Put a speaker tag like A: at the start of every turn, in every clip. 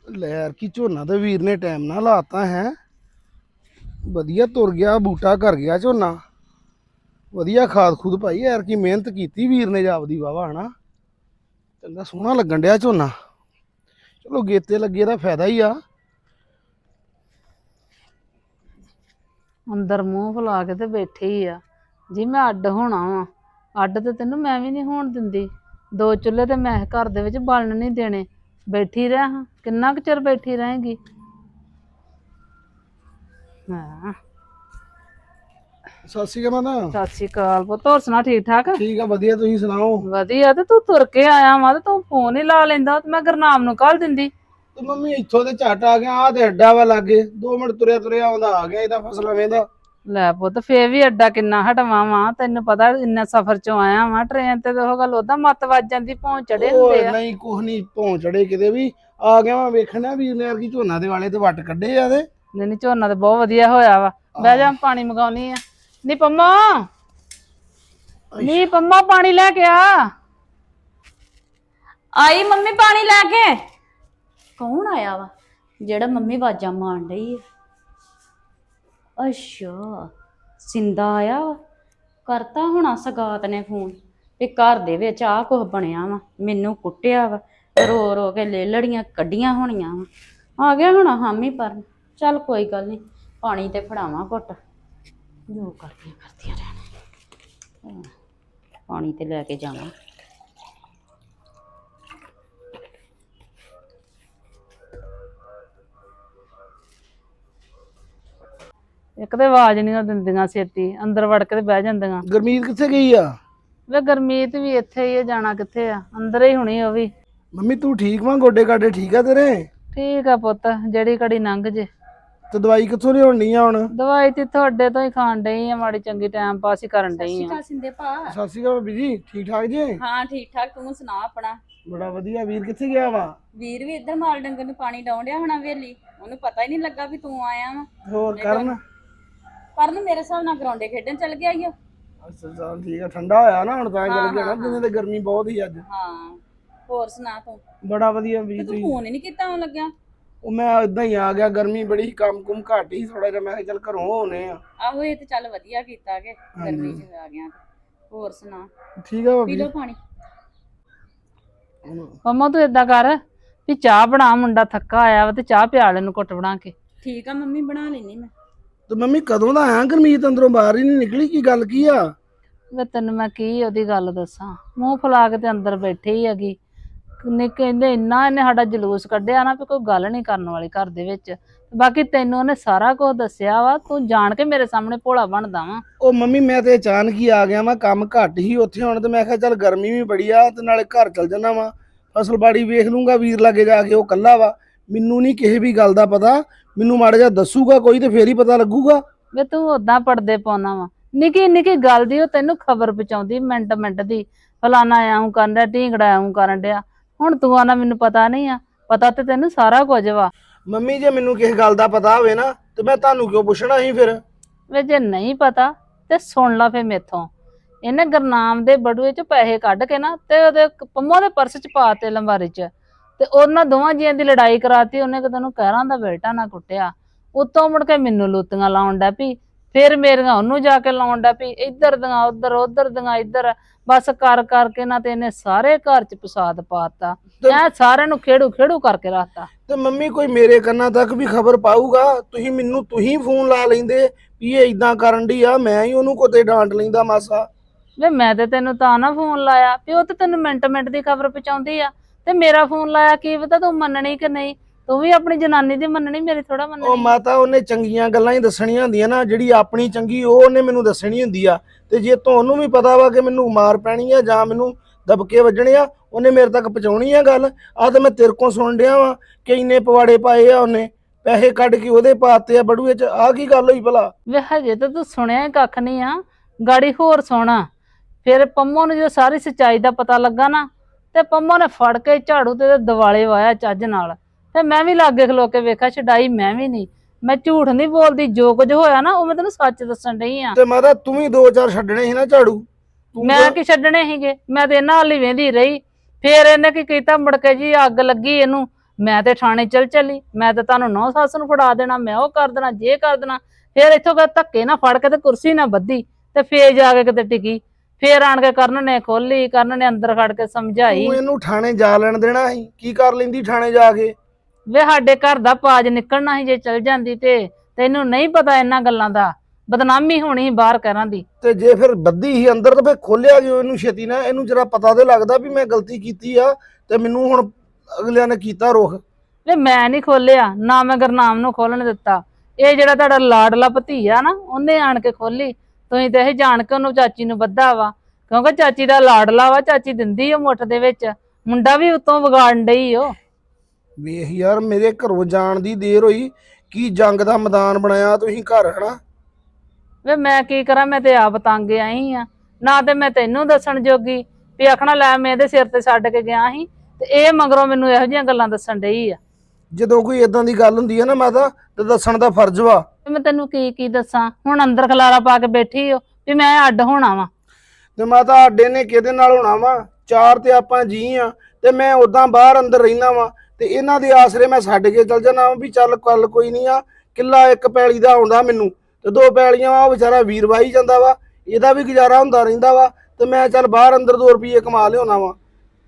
A: ਲੈ ਯਾਰ ਕੀ ਝੋਨਾ ਤੇ ਵੀਰ ਨੇ ਟਾਈਮ ਨਾਲ ਲਾਤਾ ਹੈ। ਵਧੀਆ ਤੁਰ ਗਿਆ ਬੂਟਾ ਕਰ ਗਿਆ ਝੋਨਾ। ਵਧੀਆ ਖਾਦ ਖੂਦ ਪਾਈ ਯਾਰ ਕੀ ਮਿਹਨਤ ਕੀਤੀ ਵੀਰ ਨੇ ਜਾਪਦੀ ਵਾਵਾ ਹਨਾ। ਚੰਗਾ ਸੋਹਣਾ ਲੱਗਣ ਡਿਆ ਝੋਨਾ। ਚਲੋ ਗੇਤੇ ਲੱਗੇ ਦਾ ਫਾਇਦਾ ਹੀ ਆ।
B: ਅੰਦਰ ਮੂੰਹ ਫੁਲਾ ਕੇ ਤੇ ਬੈਠੇ ਹੀ ਆ ਜੀ। ਮੈਂ ਅੱਡ ਹੋਣਾ ਵਾ। ਅੱਡ ਤੇ ਤੈਨੂੰ ਮੈਂ ਵੀ ਨਹੀਂ ਹੋਣ ਦਿੰਦੀ। ਦੋ ਚੁੱਲ੍ਹੇ ਤੇ ਮੈਂ ਘਰ ਦੇ ਵਿੱਚ ਬਾਲਣ ਨਹੀਂ ਦੇਣੇ। ਬੈਠੀ ਰਹਿ ਹਾਂ, ਕਿੰਨਾ ਕੁ ਚਿਰ ਬੈਠੀ ਰਹੇਗੀ। ਹਾਂ
A: ਸਤਿ ਸ਼੍ਰੀ ਅਕਾਲ ਮਾਤਾ।
B: ਸਤਿ ਸ਼੍ਰੀ ਅਕਾਲ ਪੁੱਤ, ਹੋਰ ਸੁਣਾ ਠੀਕ ਠਾਕ?
A: ਠੀਕ ਆ ਵਧੀਆ, ਤੁਸੀਂ ਸੁਣਾਓ?
B: ਵਧੀਆ। ਤੇ ਤੂੰ ਤੁਰ ਕੇ ਆਇਆ ਵਾ ਤੇ ਤੂੰ ਫੋਨ ਹੀ ਲਾ ਲੈਂਦਾ ਤੇ ਮੈਂ ਗੁਰਨਾਮ ਨੂੰ ਕੱਲ ਦਿੰਦੀ।
A: ਤੇ ਮੰਮੀ ਇੱਥੋਂ ਤੇ ਝੱਟ ਆ ਗਿਆ। ਆ ਤੇ ਅੱਡਾ ਵਾ ਲਾਗੇ, 2 ਮਿੰਟ ਤੁਰਿਆ ਤੁਰਿਆ ਆਉਂਦਾ ਆ ਗਿਆ। ਇਹਦਾ ਫਸਲਾ ਵੇਂਦਾ।
B: ਲੈ ਪੁੱਤ ਫੇਰ ਵੀ ਅੱਡਾ ਕਿੰਨਾ ਹਟਵਾ ਵਾ, ਤੈਨੂੰ ਪਤਾ ਇੰਨਾ ਸਫ਼ਰ ਚੋਂ ਆਇਆ ਵਾ। ਟ੍ਰੇਨ ਤੇ ਉਹ ਗੱਲ ਉਹਦਾ ਮੱਤ ਵੱਜ ਜਾਂਦੀ, ਪਹੁੰਚ ਚੜੇ ਹੁੰਦੇ ਆ।
A: ਨਹੀਂ ਕੁਛ ਨਹੀਂ ਪਹੁੰਚ ਚੜੇ ਕਿਤੇ ਵੀ। ਆ ਗਿਆ ਮੈਂ ਵੇਖਣਾ ਵੀਰ ਨੇ ਯਾਰ ਕੀ ਝੋਨਾ ਦੇ ਵਾਲੇ ਤੇ ਵੱਟ ਕੱਢੇ ਆ ਤੇ।
B: ਨਹੀਂ ਝੋਨਾ ਤੇ ਬਹੁਤ ਵਧੀਆ ਹੋਇਆ ਵਾ। ਬਹਿ ਜਾ, ਪਾਣੀ ਮੰਗਾਉਣੀ ਆ। ਨੀ ਪੰਮਾ, ਨੀ ਪੰਮਾ ਪਾਣੀ ਲੈ ਕੇ ਆ।
C: ਆਈ ਮੰਮੀ ਪਾਣੀ ਲੈ ਕੇ। ਕੌਣ ਆਇਆ ਵਾ ਜਿਹੜਾ ਮੰਮੀ ਆਵਾਜ਼ਾਂ ਮਾਰਨ ਡਈ ਹੈ? ਅੱਛਾ ਸਿੰਦਾ ਆਇਆ ਵਾ। ਕਰਤਾ ਹੋਣਾ ਸਗਾਤ ਨੇ ਫੋਨ ਵੀ ਘਰ ਦੇ ਵਿੱਚ ਆਹ ਕੁਝ ਬਣਿਆ ਵਾ, ਮੈਨੂੰ ਕੁੱਟਿਆ ਵਾ, ਰੋ ਰੋ ਕੇ ਲੇਲੜੀਆਂ ਕੱਢੀਆਂ ਹੋਣੀਆਂ ਵਾ। ਆ ਗਿਆ ਹੋਣਾ ਹਾਮੀ ਪਰ। ਚੱਲ ਕੋਈ ਗੱਲ ਨਹੀਂ, ਪਾਣੀ ਤੇ ਫੜਾਵਾਂ ਘੁੱਟ, ਜੋ ਕਰਦੀਆਂ ਰਹਿਣਾ। ਪਾਣੀ ਤੇ ਲੈ ਕੇ ਜਾਵਾਂ।
B: ਇੱਕ ਤੇ ਆਵਾਜ਼ ਨਹੀਂ ਦਿੰਦੀਆਂ ਛੇਤੀ, ਅੰਦਰ ਵੜ ਕੇ ਤੇ ਬਹਿ ਜਾਂਦੀਆਂ।
A: ਗੁਰਮੀਤ ਕਿੱਥੇ ਗਈ ਆ?
B: ਵੇ ਗੁਰਮੀਤ ਵੀ ਇੱਥੇ ਹੀ ਆ, ਜਾਣਾ ਕਿੱਥੇ ਆ, ਅੰਦਰ ਹੀ ਹੋਣੀ ਉਹ ਵੀ।
A: ਮੰਮੀ ਤੂੰ ਠੀਕ ਵਾਂ? ਗੋਡੇ ਗਾਡੇ ਠੀਕ ਆ ਤੇਰੇ?
B: ਠੀਕ ਆ ਪੁੱਤ, ਜਿਹੜੀ ਘੜੀ ਲੰਘ ਜੇ।
A: ਤੇ ਦਵਾਈ ਕਿੱਥੋਂ ਲਿਆਉਣੀ ਆ ਹੁਣ?
B: ਦਵਾਈ ਤੇ ਤੁਹਾਡੇ ਤੋਂ ਹੀ ਖਾਣ ਡਈ ਆ, ਮਾੜੀ ਚੰਗੀ ਟਾਈਮ ਪਾਸ ਹੀ ਕਰਨ ਡਈ ਆ।
C: ਸਿੰਦੇ ਭਾ।
A: ਸਤਿ ਸ਼੍ਰੀ ਅਕਾਲ ਭਾਬੀ ਜੀ, ਠੀਕ ਠਾਕ ਜੀ?
C: ਹਾਂ ਠੀਕ ਠਾਕ, ਤੂੰ ਸੁਣਾ ਆਪਣਾ?
A: ਬੜਾ ਵਧੀਆ। ਵੀਰ ਕਿੱਥੇ ਗਿਆ ਵਾ?
C: ਵੀਰ ਵੀ ਇੱਧਰ ਮਾਲ ਡੰਗਰ ਨੂੰ ਪਾਣੀ ਡਾਉਣ ਡਿਆ ਹੋਣਾ ਵੇਲੀ, ਉਹਨੂੰ ਪਤਾ ਹੀ ਨਹੀਂ ਲੱਗਾ ਵੀ ਤੂੰ ਆਇਆ ਵਾ।
A: ਹੋਰ ਕਰਨ?
C: ਕਰਨ ਮੇਰੇ ਹਿਸਾਬ ਨਾਲ ਗਰਾਉਂਡੇ ਖੇਡਣ ਚੱਲ ਗਿਆ ਈ ਓ।
A: ਅੱਛਾ ਚੱਲ ਠੀਕ ਆ, ਠੰਡਾ ਹੋਇਆ ਨਾ ਹੁਣ ਤਾਂ ਚੱਲ ਗਿਆ ਨਾ, ਦਿਨੇ ਤੇ ਗਰਮੀ ਬਹੁਤ ਹੀ ਅੱਜ।
C: ਹਾਂ ਹੋਰ ਸੁਣਾ ਤੂੰ?
A: ਬੜਾ ਵਧੀਆ ਵੀਰ।
C: ਤੂੰ ਫੋਨ ਹੀ ਨਹੀਂ ਕੀਤਾ ਆਉਣ ਲੱਗਿਆ।
A: ਉਹ ਮੈਂ ਇਦਾਂ ਹੀ ਆ ਗਿਆ, ਗਰਮੀ ਬੜੀ, ਕੰਮ ਕੁਮ ਘੱਟ ਹੀ ਥੋੜਾ ਜਿਹਾ। ਮੈਂ ਕਿਹਾ ਚੱਲ ਘਰੋਂ ਹੋਣੇ ਆ।
C: ਆਹੋ ਇਹ ਤੇ ਚੱਲ ਵਧੀਆ ਕੀਤਾ ਕਿ ਗਰਮੀ ਚ ਆ ਗਿਆ। ਹੋਰ ਸੁਣਾ?
A: ਠੀਕ ਆ
C: ਪੀ
A: ਭਾਬੀ।
C: ਲਓ ਪਾਣੀ।
B: ਮੰਮਾ ਤੂੰ ਏਦਾਂ ਕਰ ਵੀ ਚਾਹ ਬਣਾ, ਮੁੰਡਾ ਥੱਕਾ ਆਇਆ ਵਾ ਤੇ ਚਾਹ ਪਿਆ ਲੈ ਨੂੰ ਘੁੱਟ ਬਣਾ ਕੇ।
C: ਠੀਕ ਆ ਮੰਮੀ, ਬਣਾ ਲੈਣੀ ਮੈਂ।
A: ਤੇ ਮੰਮੀ ਕਦੋਂ ਦਾ ਆਇਆ? ਗੁਰਮੀਤ ਅੰਦਰੋਂ ਬਾਹਰ ਹੀ ਨਹੀਂ ਨਿਕਲੀ, ਕੀ ਗੱਲ ਕੀ ਆ?
B: ਵੇ ਤੈਨੂੰ ਮੈਂ ਕੀ ਉਹਦੀ ਗੱਲ ਦੱਸਾਂ, ਮੂੰਹ ਫੁਲਾ ਕੇ ਤੇ ਅੰਦਰ ਬੈਠੀ ਹੀ ਹੈਗੀ। ਨੇ ਕਹਿੰਦੇ ਇੰਨਾ ਇਹਨੇ ਸਾਡਾ ਜਲੂਸ ਕੱਢਿਆ ਨਾ ਵੀ ਕੋਈ ਗੱਲ ਨਹੀਂ ਕਰਨ ਵਾਲੀ ਘਰ ਦੇ ਵਿੱਚ। ਬਾਕੀ ਤੈਨੂੰ ਉਹਨੇ ਸਾਰਾ ਕੁਝ ਦੱਸਿਆ ਵਾ, ਤੂੰ ਜਾਣ ਕੇ ਮੇਰੇ ਸਾਹਮਣੇ ਭੋਲਾ ਬਣਦਾ ਵਾ।
A: ਉਹ ਮੰਮੀ ਮੈਂ ਤੇ ਅਚਾਨਕ ਹੀ ਆ ਗਿਆ ਵਾ, ਕੰਮ ਘੱਟ ਹੀ ਉੱਥੇ ਹੁਣ, ਤੇ ਮੈਂ ਕਿਹਾ ਚੱਲ ਗਰਮੀ ਵੀ ਬੜੀ ਆ ਤੇ ਨਾਲੇ ਘਰ ਚਲ ਜਾਣਾ ਵਾ, ਫਸਲ ਬਾੜੀ ਵੇਖ ਲੂੰਗਾ ਵੀਰ ਲਾਗੇ ਜਾ ਕੇ। ਉਹ ਕੱਲਾ ਵਾ, ਮੈਨੂੰ ਨਹੀਂ ਕਿਸੇ ਵੀ ਗੱਲ ਦਾ ਪਤਾ। ਮੈਨੂੰ ਮਾੜਾ ਜਿਹਾ ਦੱਸੂਗਾ ਕੋਈ ਤੇ ਫੇਰ ਹੀ ਪਤਾ ਲੱਗੂਗਾ।
B: ਵੇ ਤੂੰ ਓਦਾਂ ਪੜਦੇ ਪਾਉਣਾ ਵਾ, ਨਿੱਕੀ ਨਿੱਕੀ ਗੱਲ ਦੀ ਉਹ ਤੈਨੂੰ ਖਬਰ ਪਹੁੰਚਾਉਂਦੀ ਮਿੰਟ ਮਿੰਟ ਦੀ। ਫਲਾਣਾ ਐਉਂ ਕਰਨ ਡਿਆ, ਢੀਂਗੜਾ ਐਉਂ ਕਰਨ ਡਿਆ। ਹੁਣ ਤੂੰ ਆਣਾ ਮੈਨੂੰ ਪਤਾ ਨਹੀਂ ਆ, ਪਤਾ ਤੇ ਤੈਨੂੰ ਸਾਰਾ ਕੁਝ ਵਾ।
A: ਮੰਮੀ ਜੇ ਮੈਨੂੰ ਕਿਸੇ ਗੱਲ ਦਾ ਪਤਾ ਹੋਵੇ ਨਾ ਤੇ ਮੈਂ ਤੁਹਾਨੂੰ ਕਿਉਂ ਪੁੱਛਣਾ ਸੀ ਫਿਰ?
B: ਵੇ ਜੇ ਨਹੀਂ ਪਤਾ ਤੇ ਸੁਣ ਲਾ ਫੇ ਮੇਥੋਂ। ਇਹਨੇ ਗੁਰਨਾਮ ਦੇ ਬੜੂਏ ਚ ਪੈਸੇ ਕੱਢ ਕੇ ਨਾ ਤੇ ਉਹਦੇ ਪੰਮੋ ਦੇ ਪਰਸ ਚ ਪਾ ਤੇ ਲੰਬਾਰੀ ਚ, ਤੇ ਉਹਨਾਂ ਦੋਵਾਂ ਜੀਆਂ ਦੀ ਲੜਾਈ ਕਰਾਤੀ। ਉਹਨੇ ਕਿਤੇ ਨੂੰ ਕਹਿਰਾਂ ਦਾ ਬੇਟਾ ਨਾ ਕੁੱਟਿਆ। ਉਤੋਂ ਮੁੜ ਕੇ ਮੈਨੂੰ ਲੂਤੀਆਂ ਲਾਉਣ ਡੈ ਪਈ, ਫਿਰ ਮੇਰੀਆਂ ਉਹਨੂੰ ਜਾ ਕੇ ਲਾਉਣ ਡੈ ਪਈ। ਇੱਧਰ ਦੀਆਂ ਉੱਧਰ, ਉੱਧਰ ਦੀਆਂ ਇੱਧਰ, ਬਸ ਕਰ ਕਰਕੇ ਨਾ ਤੇ ਇਹਨੇ ਸਾਰੇ ਘਰ ਚ ਫਸਾਦ ਪਾਤਾ। ਐ ਸਾਰਿਆਂ ਨੂੰ ਖੇੜੂ ਖੇੜੂ ਕਰਕੇ ਰੱਖਤਾ।
A: ਤੇ ਮੰਮੀ ਕੋਈ ਮੇਰੇ ਕੰਨਾਂ ਤੱਕ ਵੀ ਖਬਰ ਪਾਊਗਾ? ਤੁਸੀਂ ਫੋਨ ਲਾ ਲੈਂਦੇ ਵੀ ਇਹ ਇਦਾਂ ਕਰਨ ਡਈ ਆ, ਮੈਂ ਹੀ ਉਹਨੂੰ ਕੋਤੇ ਡਾਂਟ ਲੈਂਦਾ ਮਾਸਾ।
B: ਵੇ ਮੈਂ ਤੇ ਤੈਨੂੰ ਤਾਂ ਨਾ ਫੋਨ ਲਾਇਆ ਵੀ ਉਹ ਤੇ ਤੈਨੂੰ ਮਿੰਟ ਮਿੰਟ ਦੀ ਖਬਰ ਪਹੁੰਚਾਉਂਦੀ ਆ, ਤੇ ਮੇਰਾ ਫੋਨ ਲਾਇਆ ਕੀ ਪਤਾ ਤੂੰ ਮੰਨਣੀ ਕਿ ਨਹੀਂ। ਤੂੰ ਵੀ ਆਪਣੀ ਜਨਾਨੀ ਦੀ ਮੰਨਣੀ, ਮੇਰੀ ਥੋੜਾ
A: ਉਹ
B: ਮੰਨਣੀ।
A: ਮਾਤਾ ਉਹਨੇ ਚੰਗੀਆਂ ਗੱਲਾਂ ਹੀ ਦੱਸਣੀਆਂ ਹੁੰਦੀਆਂ ਨਾ, ਜਿਹੜੀ ਆਪਣੀ ਚੰਗੀ ਉਹ ਉਹਨੇ ਮੈਨੂੰ ਦੱਸਣੀ ਹੁੰਦੀ ਆ। ਤੇ ਜੇ ਤੁਹਾਨੂੰ ਵੀ ਪਤਾ ਵਾ ਕਿ ਮੈਨੂੰ ਮਾਰ ਪੈਣੀ ਆ ਜਾਂ ਮੈਨੂੰ ਦਬਕੇ ਵੱਜਣੇ ਆ, ਉਹਨੇ ਮੇਰੇ ਤੱਕ ਪਹੁੰਚਾਉਣੀ ਆ ਗੱਲ। ਆ ਤਾਂ ਮੈਂ ਤੇਰੇ ਕੋਲ ਸੁਣ ਡਿਆ ਵਾ ਕਿ ਇੰਨੇ ਪਵਾੜੇ ਪਾਏ ਆ, ਉਹਨੇ ਪੈਸੇ ਕੱਢ ਕੇ ਉਹਦੇ ਪਾਤੇ ਆ ਬੜੂਏ ਚ। ਆ ਕੀ ਗੱਲ ਹੋਈ ਭਲਾ?
B: ਵੇ ਹਜੇ ਤਾਂ ਤੂੰ ਸੁਣਿਆ ਹੀ ਕੱਖ ਨਹੀਂ ਆ, ਗਾੜੀ ਹੋਰ ਸੋਣਾ। ਫਿਰ ਪੰਮੋ ਨੂੰ ਜਦੋਂ ਸਾਰੀ ਸੱਚਾਈ ਦਾ ਪਤਾ ਲੱਗਾ ਨਾ, ਤੇ ਪੰਮੋ ਨੇ ਫੜ ਕੇ ਝਾੜੂ ਤੇ ਦਿਵਾਲੇ ਵਾਇਆ ਚੱਜ ਨਾਲ। ਤੇ ਮੈਂ ਵੀ ਲਾਗੇ ਖਲੋ ਕੇ ਵੇਖਿਆ, ਛਡਾਈ ਮੈਂ ਵੀ ਨਹੀਂ। ਮੈਂ ਝੂਠ ਨਹੀਂ ਬੋਲਦੀ, ਜੋ ਕੁਝ ਹੋਇਆ ਨਾ ਉਹ ਮੈਂ ਤੈਨੂੰ ਸੱਚ ਦੱਸਣ ਡਈ ਆ।
A: ਤੇ ਮਾਤਾ ਤੂੰ ਵੀ 2-4 ਛੱਡਣੇ ਸੀ ਨਾ ਝਾੜੂ।
B: ਮੈਂ ਕੀ ਛੱਡਣੇ ਸੀਗੇ, ਮੈਂ ਤੇ ਇਹਨਾਂ ਹਾਲੀ ਵੇਂਦੀ ਰਹੀ। ਫੇਰ ਇਹਨੇ ਕੀ ਕੀਤਾ, ਮੁੜ ਕੇ ਜੀ ਅੱਗ ਲੱਗੀ ਇਹਨੂੰ ਮੈਂ ਤੇ ਥਾਣੇ ਚਲੀ, ਮੈਂ ਤਾਂ ਤੁਹਾਨੂੰ ਨੌ ਸੱਸ ਨੂੰ ਫੜਾ ਦੇਣਾ, ਮੈਂ ਉਹ ਕਰ ਦੇਣਾ, ਜੇ ਕਰ ਦੇਣਾ। ਫੇਰ ਇੱਥੋਂ ਧੱਕੇ ਨਾ ਫੜ ਕੇ ਤੇ ਕੁਰਸੀ ਨਾ ਬੱਧੀ ਤੇ ਫੇਰ ਜਾ ਕੇ ਕਿਤੇ ਟਿਕੀ। ਫੇਰ ਆਣ ਕੇ ਕਰਨ ਨੇ ਖੋਲੀ, ਕਰਨ ਨੇ ਅੰਦਰ ਖੜ ਕੇ ਸਮਝਾਈ।
A: ਤੂੰ ਇਹਨੂੰ ਥਾਣੇ ਜਾ ਲੈਣ ਦੇਣਾ ਸੀ, ਕੀ ਕਰ ਲੈਂਦੀ ਥਾਣੇ ਜਾ ਕੇ?
B: ਵੇ ਸਾਡੇ ਘਰ ਦਾ ਪਾਜ ਨਿਕਲਣਾ ਸੀ ਜੇ ਚਲ ਜਾਂਦੀ ਤੇ। ਤੈਨੂੰ ਨਹੀਂ ਪਤਾ ਇਹਨਾਂ ਗੱਲਾਂ ਦਾ, ਬਦਨਾਮੀ ਹੋਣੀ ਸੀ ਬਾਹਰ ਘਰਾਂ ਦੀ।
A: ਤੇ ਜੇ ਫਿਰ ਬੱਦੀ ਹੀ ਅੰਦਰ ਤਾਂ ਫਿਰ ਖੋਲਿਆ ਕਿਉਂ ਇਹਨੂੰ ਛੇਤੀ ਨਾ? ਇਹਨੂੰ ਜਰਾ ਪਤਾ ਤੇ ਲੱਗਦਾ ਵੀ ਮੈਂ ਗਲਤੀ ਕੀਤੀ ਆ ਤੇ ਮੈਨੂੰ ਹੁਣ ਅਗਲਿਆਂ ਨੇ ਕੀਤਾ ਰੁਖ।
B: ਵੇ ਮੈਂ ਨਹੀਂ ਖੋਲਿਆ, ਨਾ ਮੈਂ ਗੁਰਨਾਮ ਨੂੰ ਖੋਲਣ ਦਿੱਤਾ। ਇਹ ਜਿਹੜਾ ਤੁਹਾਡਾ ਲਾਡਲਾ ਭਤੀਆ ਨਾ, ਉਹਨੇ ਆਣ ਕੇ ਖੋਲੀ। ਤੁਸੀਂ ਤੇ ਇਹ ਜਾਣ ਕੇ ਉਹਨੂੰ ਚਾਚੀ ਨੂੰ ਬੱਧਾ ਵਾ, ਕਿਉਂਕਿ ਚਾਚੀ ਦਾ ਲਾਡਲਾ ਵਾ, ਚਾਚੀ ਦਿੰਦੀ ਉਹ ਮੁੱਠ ਦੇ ਵਿੱਚ। ਮੁੰਡਾ ਵੀ ਉਤੋਂ ਵਿਗਾੜਨ ਡਈ ਉਹ।
A: ਵੇਖ ਯਾਰ, ਮੇਰੇ ਘਰੋਂ ਜਾਣ ਦੀ ਦੇਰ ਹੋਈ, ਕੀ ਜੰਗ ਦਾ ਮੈਦਾਨ ਬਣਾਇਆ ਤੁਸੀਂ ਘਰ, ਹਨਾ?
B: ਵੇ ਮੈਂ ਕੀ ਕਰਾਂ, ਮੈਂ ਤੇ ਆਪ ਤੰਗ ਆਈ ਆ। ਨਾ ਤੇ ਮੈਂ ਤੈਨੂੰ ਦੱਸਣ ਜੋਗੀ ਵੀ ਆਖਣਾ ਲੈ ਮੈਂ ਇਹਦੇ ਸਿਰ ਤੇ ਛੱਡ ਕੇ ਗਿਆ ਸੀ, ਤੇ ਇਹ ਮਗਰੋਂ ਮੈਨੂੰ ਇਹੋ ਜਿਹੀਆਂ ਗੱਲਾਂ ਦੱਸਣ ਡਈ ਆ।
A: ਜਦੋਂ ਕੋਈ ਇਦਾਂ ਦੀ ਗੱਲ ਹੁੰਦੀ ਹੈ ਨਾ ਮਾਤਾ, ਤੇ ਦੱਸਣ ਦਾ ਫਰਜ਼ ਵਾ।
B: ਮੈਂ ਤੈਨੂੰ ਕੀ ਦੱਸਾਂ, ਹੁਣ ਅੰਦਰ ਖਲਾਰਾ ਪਾ ਕੇ ਬੈਠੀ ਹੋ ਵੀ ਮੈਂ ਅੱਡ ਹੋਣਾ ਵਾ।
A: ਤੇ ਮਾਤਾ ਅੱਡੇ ਨੇ ਕਿਹਦੇ ਨਾਲ ਹੋਣਾ ਵਾ? ਚਾਰ ਤੇ ਆਪਾਂ ਜੀ ਆ, ਤੇ ਮੈਂ ਉਦਾਂ ਬਾਹਰ ਅੰਦਰ ਰਹਿਣਾ ਵਾ, ਤੇ ਇਹਨਾਂ ਦੇ ਆਸਰੇ ਮੈਂ ਛੱਡ ਕੇ ਚਲ ਜਾਣਾ ਵੀ ਚੱਲ ਕੱਲ ਕੋਈ ਨਹੀਂ ਆ। ਕਿੱਲਾ ਇੱਕ ਪੈਲੀ ਦਾ ਆਉਂਦਾ ਮੈਨੂੰ, ਤੇ 2 ਪੈਲੀਆਂ ਵਾ, ਉਹ ਵਿਚਾਰਾ ਵੀਰ ਵਾਹੀ ਜਾਂਦਾ ਵਾ, ਇਹਦਾ ਵੀ ਗੁਜ਼ਾਰਾ ਹੁੰਦਾ ਰਹਿੰਦਾ ਵਾ, ਤੇ ਮੈਂ ਚੱਲ ਬਾਹਰ ਅੰਦਰ 2 ਰੁਪਏ ਕਮਾ ਲਿਆਉਣਾ ਵਾ।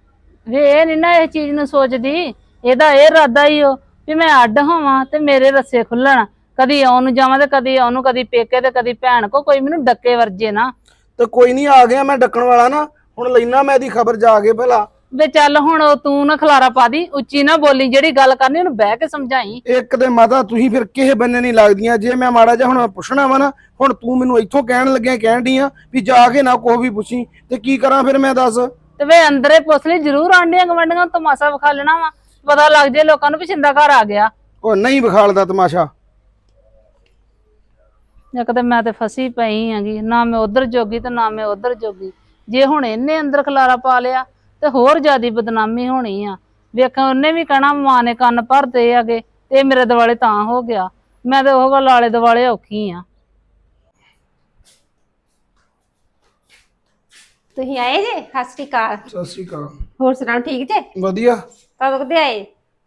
B: ਵੇ ਇਹ ਨੀ ਨਾ ਇਹ ਚੀਜ਼ ਨੂੰ ਸੋਚਦੀ, ਇਹਦਾ ਇਹ ਇਰਾਦਾ ਹੀ ਉਹ ਵੀ ਮੈਂ ਅੱਡ ਹੋਵਾਂ ਤੇ ਮੇਰੇ ਰੱਸੇ ਖੁੱਲਣ, ਕਦੀ ਆਉਣ ਨੂੰ ਜਾਵਾਂ ਤੇ ਕਦੀ ਉਹਨੂੰ, ਕਦੀ ਪੇਕੇ ਤੇ ਕਦੀ ਭੈਣ ਕੋ, ਕੋਈ ਮੈਨੂੰ ਡੱਕੇ ਵਰਜੇ ਨਾ।
A: ਤੇ ਕੋਈ ਨਹੀਂ, ਆ ਗਿਆ ਮੈਂ ਡੱਕਣ ਵਾਲਾ ਨਾ, ਹੁਣ ਲੈਣਾ ਮੈਂ ਇਹਦੀ ਖਬਰ ਜਾ ਕੇ ਭਲਾ।
B: ਵੇ ਚੱਲ ਹੁਣ ਤੂੰ ਨਾ ਖਲਾਰਾ ਪਾ ਦੀ, ਉੱਚੀ ਨਾ ਬੋਲੀ, ਜਿਹੜੀ ਗੱਲ ਕਰਨੀ ਉਹਨੂੰ ਬਹਿ ਕੇ ਸਮਝਾਈ।
A: ਇੱਕ ਤੇ ਮਾਤਾ ਤੁਸੀਂ ਫਿਰ ਕਿਸੇ ਬੰਨੇ ਨਹੀਂ ਲੱਗਦੀਆਂ, ਜੇ ਮੈਂ ਮਾੜਾ ਜਿਹਾ ਹੁਣ ਪੁੱਛਣਾ ਵਾ ਨਾ, ਹੁਣ ਤੂੰ ਮੈਨੂੰ ਇੱਥੋਂ ਕਹਿਣ ਲੱਗਿਆ ਕਹਿਣ ਡਈ ਆ ਵੀ ਜਾ ਕੇ ਨਾ ਕੋਈ ਵੀ ਪੁੱਛੀ, ਤੇ ਕੀ ਕਰਾਂ ਫਿਰ ਮੈਂ ਦੱਸ?
B: ਤੇ ਵੇ ਅੰਦਰੇ ਪੁੱਛ ਲਈ, ਜ਼ਰੂਰ ਆਂਡੀਆਂ ਗਵੰਡੀਆਂ ਤਮਾਸ਼ਾ ਵਿਖਾ ਲੈਣਾ ਵਾ, ਪਤਾ ਲੱਗ ਜੇ ਲੋਕਾਂ ਨੂੰ ਵੀ ਛਿੰਦਾ ਘਰ ਆ ਗਿਆ।
A: ਉਹ ਨਹੀਂ ਵਿਖਾਲਦਾ ਤਮਾਸ਼ਾ।
B: ਇੱਕ ਤੇ ਮੈਂ ਤੇ ਫਸੀ ਪਈ ਆਂਗੀ, ਨਾ ਮੈਂ ਉਧਰ ਜੋਗੀ ਤੇ ਨਾ ਮੈਂ ਉਧਰ ਜੋਗੀ। ਜੇ ਹੁਣ ਇਹਨੇ ਅੰਦਰ ਖਲਾਰਾ ਪਾ ਲਿਆ ਤੇ ਹੋਰ ਜ਼ਿਆਦੀ ਬਦਨਾਮੀ ਹੋਣੀ ਆ। ਵੇਖਾਂ ਉਹਨੇ ਵੀ ਕਹਿਣਾ ਮਾਂ ਨੇ ਕੰਨ ਭਰਦੇ ਹੈਗੇ, ਤੇ ਮੇਰੇ ਦੁਆਲੇ ਤਾਂ ਹੋ ਗਿਆ। ਮੈਂ ਤੇ ਉਹ ਗੱਲ ਆਲੇ ਦੁਆਲੇ ਔਖੀ ਆ।
D: ਤੁਸੀਂ ਆਏ ਜੇ? ਸਤਿ ਸ਼੍ਰੀ ਅਕਾਲ।
A: ਸਤਿ ਸ਼੍ਰੀ ਅਕਾਲ।
D: ਹੋਰ ਸੁਣਾਓ, ਠੀਕ ਜੇ?
A: ਵਧੀਆ।
D: ਕਦੋਂ ਕਦੇ ਆਏ?